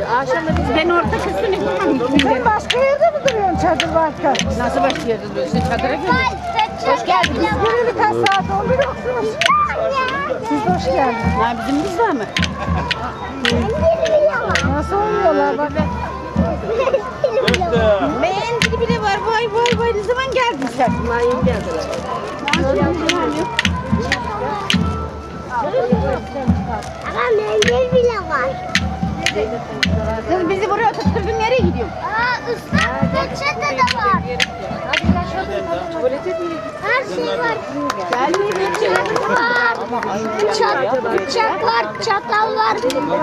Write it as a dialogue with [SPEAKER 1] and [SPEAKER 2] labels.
[SPEAKER 1] Akşamda ben orta kısmını yapamam.
[SPEAKER 2] Sen başka yerde mi duruyorsun çadır varken?
[SPEAKER 1] Nasıl başka yerde duruyorsun? Sen çadıra gel. Hoş geldiniz.
[SPEAKER 2] Göreli kaç saat oldu yoksunuz? Siz hoş geldiniz.
[SPEAKER 1] Ha bizim biz var mı?
[SPEAKER 2] Nasıl oluyorlar bak.
[SPEAKER 1] Mendili bile var. Vay vay vay. Ne zaman geldin sen? Bunlar yeni geldiler.
[SPEAKER 3] Ama mendil bile var.
[SPEAKER 1] Kız bizi buraya tutturdun. Nereye gidiyorsun?
[SPEAKER 3] Islak peçete de var.
[SPEAKER 1] Tuvalete mi?
[SPEAKER 3] Her şey var.
[SPEAKER 1] Gelmeyin.
[SPEAKER 3] Bıçak var, çatal var.